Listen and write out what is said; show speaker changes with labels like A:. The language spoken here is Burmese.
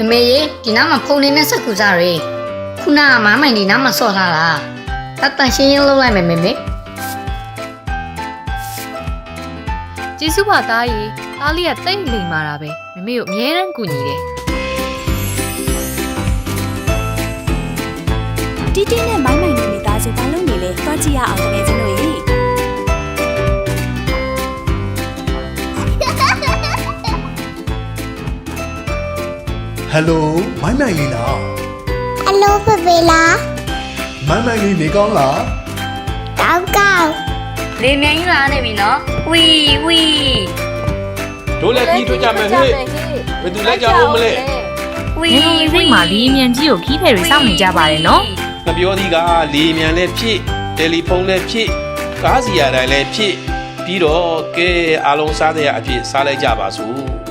A: မေရေဒီနားမှာဖုန်းလေးနဲ့ဆက်ကူစားရယ်ခုနကမမိုင်ဒီနားမှာဆော့ထားတာတန်ရှင်းရင်လုပ်လိုက်မယ်မေ
B: ကျေးဇူးပါသားကြီးသားလေးကတိတ်လိမ်မာတာပဲမမေကိုအမြဲတမ်းကူညီတယ်
C: တီတီနဲ့မိုင်းမိုင်နေမိသားစုဘာလို့နေလဲသွားကြည့်ရအောင်တကယ်ချင်းတို့ရေ
D: ဟယ်လိုမိုင်းမိုင်လေးလား
E: ဟယ်လိုဖေဖေလား
D: မိုင်းမိုင်လေးနေကောင်းလား
E: ကောင်းကောင်း
A: လေမြန်ကြီးလာနေပြီနော်ဝီဝီ
F: တို့လည်းကြီးထွကြမယ်ဟဲ့ဘယ်သူလိုက်ကြအောင်မလဲ
A: ဝီ
B: ဝီမှာလီမြန်ကြီးကိုခီးတယ်တွေစောင့်နေကြပါတယ်နော်
F: ငပြောသည်ကလေမြန်လည်းဖြစ်တယ်လီဖုန်းလည်းဖြစ်ကားစီရတိုင်းလည်းဖြစ်ပြီးတော့ကဲအားလုံးစားတဲ့အဖြစ်စားလိုက်ကြပါစို့